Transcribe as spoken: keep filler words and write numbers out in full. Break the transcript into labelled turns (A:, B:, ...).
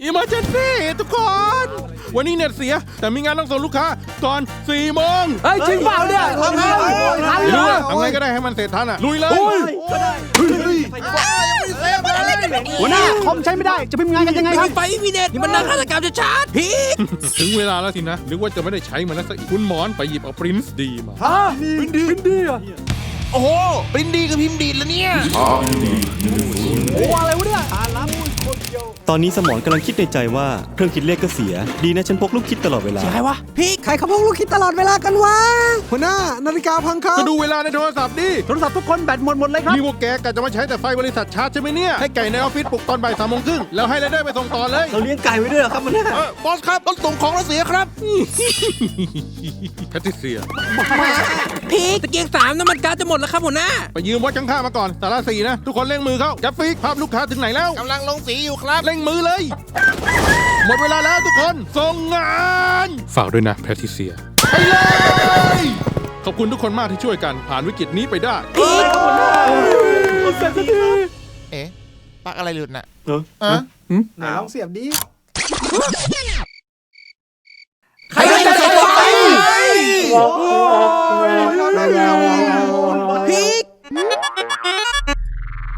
A: Emergency ทุกคนวันนี้เน็ตเสียแต่มีงานต้องส่งลูกค้าก่อนสี่โมง
B: เฮ้ยจริงเปล่าเนี่ยทำไง
A: ไม่รู้อะทำไงก็ได้ให้มันเสร็จทันอะลุยเลย
B: หัวหน้าคอมใช้ไม่ได้จะพิมพ์งานกันยังไงครับ
C: ไฟมีเน็ตนี่มันนักฆาตกรรมจะชาร์จพีก
A: ถึงเวลาแล้วสินะนึกว่าจะไม่ได้ใช้มันแล้วซะอีกคุณหมอนไปหยิบเอาปรินซ์ดีมา
B: ฮะปรินดีปรินดีอ่ะ
C: โอ้โหปรินดีกับพิมพ์ดีแล้วเนี่ย
B: โอ้อะไรวะเนี่ย
D: ตอนนี้สมองกำลังคิดในใจว่าเครื่องคิดเลขก็เสียดีนะฉันพกลูกคิดตลอดเวลา
C: ใช่วะพีก
E: ใครเขาพกลูกคิดตลอดเวลากันวะหัวหน้านาฬิกาพังครับ
A: ก็ดูเวลาในโทรศัพท์ดิ
B: โทรศัพท์ทุกคนแบตหมดหมดเลยครับ
A: นี่พวกแกกะจะมาใช้แต่ไฟบริษัทชาร์จใช่ไหมเนี่ยให้ไก่ในออฟฟิศปลุกตอนบ่ายสามโมงครึ่งแล้วให้ไรเดอร์ไปส่งต่อเลย
D: เราเลี้ยงไก่ไว้ด้วยครับมันเนี่ย
C: บอสครับรถส่งของเราเสียครับ
A: แพทริเซีย
C: พีกตะเกียงสามน้ำมันก๊าซจะหมดแล้วครับหัวหน้า
A: ไปยืมวัดข้างๆมาก่อนสาระสี่นะทุกคนเร่งมือเข้าจับฟิกภาพลูกค้าถึงไหนแล้ว
C: กำลังลงสีอยู่ครับ
A: เร่งมือเลยหมดเวลาแล้วทุกคนส่งงานฝากด้วยนะแพทริเซียไปเลยขอบคุณทุกคนมากที่ช่วยกันผ่านวิกฤตนี้ไปได้
C: พีก
E: เอ๊ะปลั๊กอะไรหลุดน่ะ
D: เออ
E: ไหนลองเสียบดิ